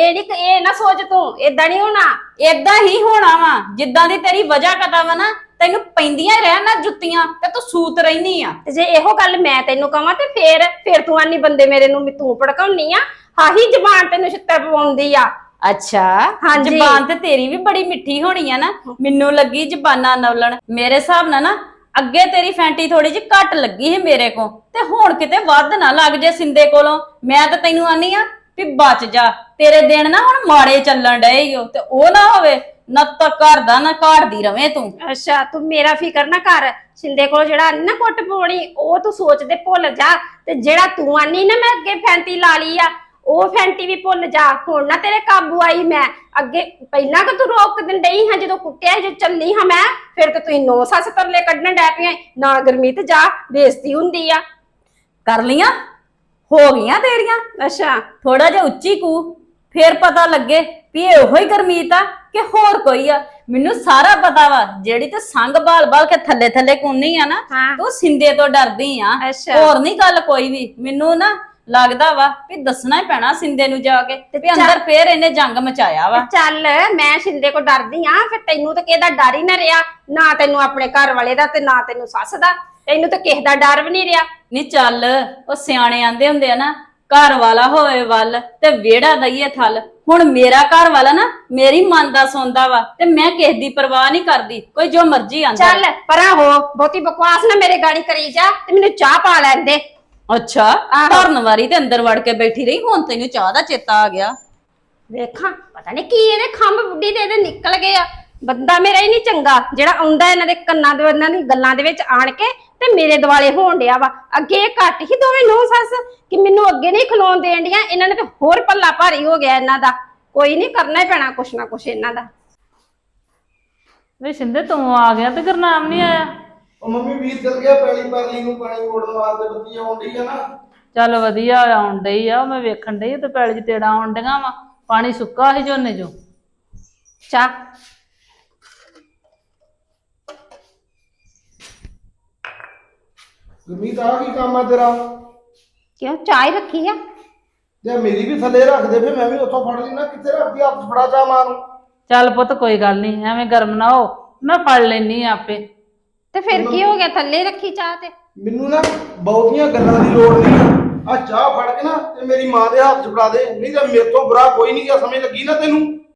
D: ਇਹ ਨਾ ਸੋਚ ਤੂੰ। ਏਦਾਂ ਨਹੀਂ ਹੋਣਾ।
C: ਏਦਾਂ ਹੀ ਹੋਣਾ ਵਾ, ਜਿੱਦਾਂ ਦੀ ਤੇਰੀ ਵਜ੍ਹਾ ਕਦਾ ਵਾ ਨਾ, ਤੈਨੂੰ ਪੈਂਦੀਆਂ ਰਹਿਣ ਨਾ ਜੁੱਤੀਆਂ ਤੇ ਤੂੰ ਸੂਤ ਰਹਿਨੀ ਆ।
D: ਤੇ ਜੇ ਇਹੋ ਗੱਲ ਮੈਂ ਤੈਨੂੰ ਕਵਾਂ ਤੇ ਫੇਰ ਤੂੰ ਆਨੀ ਬੰਦੇ ਮੇਰੇ ਨੂੰ ਤੂੰ ਭੜਕਾਉਣੀ ਆ। ਹਾਹੀ ਜ਼ਬਾਨ ਤੈਨੂੰ ਛਿੱਤਰ ਪਵਾਉਂਦੀ ਆ।
C: ਅੱਛਾ
D: ਹਾਂਜੀ।
C: ਜ਼ਬਾਨ ਤੇ ਤੇਰੀ ਵੀ ਬੜੀ ਮਿੱਠੀ ਹੋਣੀ ਆ ਨਾ, ਮੈਨੂੰ ਲੱਗੀ ਜ਼ਬਾਨਾਂ ਨਵਲਣ। ਮੇਰੇ ਹਿਸਾਬ ਨਾਲ ਨਾ ਅੱਗੇ ਤੇਰੀ ਫੈਂਟੀ ਥੋੜੀ ਜਿਹੀ ਘੱਟ ਲੱਗੀ ਸੀ ਮੇਰੇ ਕੋ, ਤੇ ਹੁਣ ਕਿਤੇ ਵੱਧ ਨਾ ਲੱਗ ਜੇ ਸਿੰਦੇ ਕੋਲੋਂ। ਮੈਂ ਤਾਂ ਤੈਨੂੰ ਆਨੀ ਆ ਵੀ ਬਚ ਜਾ, ਤੇਰੇ ਦਿਨ ਨਾ ਹੁਣ ਮਾੜੇ ਚੱਲਣ ਡਏ ਓ, ਤੇ ਉਹ ਨਾ ਹੋਵੇ ਨਾ ਤਾਂ ਘਰ ਦਾ ਨਾ ਘਾੜਦੀ ਰਵੇਂ ਤੂੰ।
D: ਅੱਛਾ, ਤੂੰ ਮੇਰਾ ਫਿਕਰ ਨਾ ਕਰ। ਸਿੰਦੇ ਕੋਲ ਜਿਹੜਾ ਆਨੀ ਨਾ ਕੁੱਟ ਪਵਾਉਣੀ, ਉਹ ਤੂੰ ਸੋਚਦੇ ਭੁੱਲ ਜਾ। ਤੇ ਜਿਹੜਾ ਤੂੰ ਆਨੀ ਨਾ ਮੈਂ ਅੱਗੇ ਫੈਂਟੀ ਲਾ ਲਈ ਆ, ਉਹ ਫੈਂਟੀ ਵੀ ਭੁੱਲ ਜਾ। ਹੁਣ ਨਾ ਤੇਰੇ ਕਾਬੂ ਆਈ ਮੈਂ। ਅੱਗੇ ਪਹਿਲਾਂ ਕਿ ਤੂੰ ਰੋਕ ਦਿੰਦੀ ਡਈ ਹਾਂ, ਜਦੋਂ ਕੁੱਟਿਆ ਜੋ ਚੱਲੀ ਹਾਂ ਮੈਂ, ਫਿਰ ਤੇ ਤੂੰ ਨੌ ਸੱਸ ਤਰਲੇ ਕੱਢਣ ਡੈ ਪਈਆਂ। ਨਾ ਗਰਮੀਤ ਜਾ, ਬੇਇੱਜ਼ਤੀ ਹੁੰਦੀ ਆ।
C: ਕਰ ਲੀਆਂ ਹੋ ਗਈਆਂ ਤੇਰੀਆਂ।
D: ਅੱਛਾ,
C: ਥੋੜਾ ਜਿਹਾ ਉੱਚੀ ਕੂ, ਫੇਰ ਪਤਾ ਲੱਗੇ ਵੀ ਇਹ ਉਹੀ ਗਰਮੀਤ ਆ ਕਿ ਹੋਰ ਕੋਈ ਆ। ਮੈਨੂੰ ਸਾਰਾ ਪਤਾ ਵਾ, ਜਿਹੜੀ ਤੇ ਸੰਗ ਬਾਲ ਕੇ ਥੱਲੇ ਕੁੰਨੀ ਆ ਨਾ,
D: ਹਾਂ।
C: ਤੂੰ ਸਿੰਦੇ ਤੋਂ ਡਰਦੀ ਆ।
D: ਅੱਛਾ।
C: ਹੋਰ ਨਹੀਂ ਗੱਲ ਕੋਈ ਵੀ। ਮੈਨੂੰ ਨਾ ਲੱਗਦਾ ਵਾ ਵੀ ਦੱਸਣਾ ਹੀ ਪੈਣਾ ਸਿੰਦੇ ਨੂੰ ਜਾ ਕੇ ਵੀ ਅੰਦਰ ਫੇਰ ਇਹਨੇ ਜੰਗ ਮਚਾਇਆ ਵਾ।
D: ਚੱਲ ਮੈਂ ਸਿੰਦੇ ਕੋ ਡਰਦੀ ਆ, ਫਿਰ ਤੈਨੂੰ ਤਾਂ ਕਿਹਦਾ ਡਰ ਹੀ ਨਾ ਰਿਹਾ। ਨਾ ਤੈਨੂੰ ਆਪਣੇ ਘਰ ਵਾਲੇ ਦਾ ਤੇ ਨਾ ਤੈਨੂੰ ਸੱਸ ਦਾ। ਤੈਨੂੰ ਤਾਂ ਕਿਸੇ ਦਾ ਡਰ ਵੀ ਨਹੀਂ ਰਿਹਾ।
C: ਨਹੀਂ ਚੱਲ, ਉਹ ਸਿਆਣੇ ਆਂਦੇ ਹੁੰਦੇ ਆ ਨਾ, ਘਰ ਵਾਲਾ ਹੋਵੇ ਵੱਲ ਤੇ ਵਿਹੜਾ ਦਈਏ ਥਲ। ਹੁਣ ਮੇਰਾ ਘਰ ਵਾਲਾ ਨਾ ਮੇਰੀ ਮਨ ਦਾ ਸੌਂਦਾ ਵਾ ਤੇ ਮੈਂ ਕਿਸੇ ਦੀ ਪਰਵਾਹ ਨਹੀਂ ਕਰਦੀ, ਕੋਈ ਜੋ ਮਰਜ਼ੀ ਆਂਦਾ।
D: ਚੱਲ ਪਰਾਂ ਹੋ, ਬਹੁਤੀ ਬਕਵਾਸ ਨਾ ਮੇਰੇ ਗਾੜੀ ਕਰੀ ਜਾ ਤੇ ਮੈਨੂੰ ਚਾਹ ਪਾ ਲੈਣ ਦੇ।
C: ਅੱਛਾ, ਧਰਨ ਵਾਰੀ ਤੇ ਅੰਦਰ ਵੜ ਕੇ ਬੈਠੀ ਰਹੀ, ਹੁਣ ਤੈਨੂੰ ਚਾਹ ਦਾ ਚੇਤਾ ਆ ਗਿਆ।
D: ਵੇਖਾਂ ਪਤਾ ਨਹੀਂ ਕੀ ਇਹਦੇ ਖੰਭ ਬੁੱਢੀ ਦੇ ਇਹਦੇ ਨਿਕਲ ਗਏ ਆ। ਬੰਦਾ ਮੇਰਾ ਹੀ ਨਹੀਂ ਚੰਗਾ ਜਿਹੜਾ ਆਉਂਦਾ ਇਹਨਾਂ ਦੇ ਕੰਨਾਂ ਦੇ ਇਹਨਾਂ ਦੀ ਗੱਲਾਂ ਦੇ ਵਿੱਚ ਆਣ ਕੇ ਤੇ ਮੇਰੇ ਦਿਵਾਲੇ ਹੋਣ ਡਿਆ ਵਾ। ਅੱਗੇ ਇਹ ਘੱਟ ਹੀ ਦੋਵੇਂ ਨੂੰਹ ਸੱਸ ਕਿ ਮੈਨੂੰ ਅੱਗੇ ਨਹੀਂ ਖਲੋਣ ਦੇਣ ਡੀਆਂ, ਇਹਨਾਂ ਨੇ ਤੇ ਹੋਰ ਪੱਲਾ ਭਾਰੀ ਹੋ ਗਿਆ ਇਹਨਾਂ ਦਾ। ਕੋਈ ਨਹੀਂ, ਕਰਨਾ ਹੀ ਪੈਣਾ ਕੁਛ ਨਾ ਕੁਛ ਇਹਨਾਂ ਦਾ।
B: ਵੇ ਸਿੰਦੇ ਤੂੰ ਆ ਗਿਆ ਤੇ ਗੁਰਨਾਮ ਨਹੀਂ ਆਇਆ?
A: ਉਹ ਮੰਮੀ ਵੀਰ ਚਲ ਗਿਆ ਪੈਲੀ ਪਰਲੀ ਨੂੰ ਪਾਣੀ ਮੋੜਨ ਵਾਸਤੇ, ਬੱਤੀ ਆਉਂਦੀ ਆ ਨਾ।
B: ਚੱਲ ਵਧੀਆ ਆਉਣ ਡਈ ਆ, ਮੈਂ ਵੇਖਣ ਡਈ ਤੇ ਪੈਲੀ 'ਚ ਤੇੜਾ ਆਉਣ ਡੀਆਂ ਵਾ, ਪਾਣੀ ਸੁੱਕਾ ਸੀ ਝੋਨੇ 'ਚੋਂ।
D: ਚਾਹ
A: ਗੁਰਮੀਤ ਆ ਕੀ ਕੰਮ ਆ ਤੇਰਾ?
D: ਕਿਉਂ ਚਾਹ ਹੀ ਰੱਖੀ ਆ?
A: ਜੇ ਮੇਰੀ ਵੀ ਥੱਲੇ ਰੱਖ ਦੇ ਫਿਰ ਮੈਂ ਵੀ ਉੱਥੋਂ ਫੜ ਲਈ ਨਾ। ਕਿੱਥੇ ਰੱਖਦੀ ਹੱਥ ਫੜਾ ਚਾਹ ਮਾਂ ਨੂੰ।
B: ਚੱਲ ਪੁੱਤ ਕੋਈ ਗੱਲ ਨਹੀਂ, ਐਵੇਂ ਗਰਮ ਨਾ ਹੋ, ਮੈਂ ਫੜ ਲੈਣੀ ਆਪੇ।
D: ਤੇ ਫਿਰ ਕੀ ਹੋ ਗਿਆ, ਥੱਲੇ ਰੱਖੀ ਚਾਹ ਤੇ?
A: ਮੈਨੂੰ ਨਾ ਬਹੁਤੀਆਂ ਗੱਲਾਂ ਦੀ ਲੋੜ ਨਹੀਂ ਆ। ਆ ਚਾਹ ਫੜ ਕੇ ਨਾ ਤੇ ਮੇਰੀ ਮਾਂ ਦੇ ਹੱਥ 'ਚ ਫੜਾ ਦੇ, ਨਹੀਂ ਤਾਂ ਮੇਰੇ ਤੋਂ ਬੁਰਾ ਕੋਈ ਨਹੀਂ। ਕਿਆ ਸਮਝ ਲੱਗੀ ਨਾ ਤੈਨੂੰ?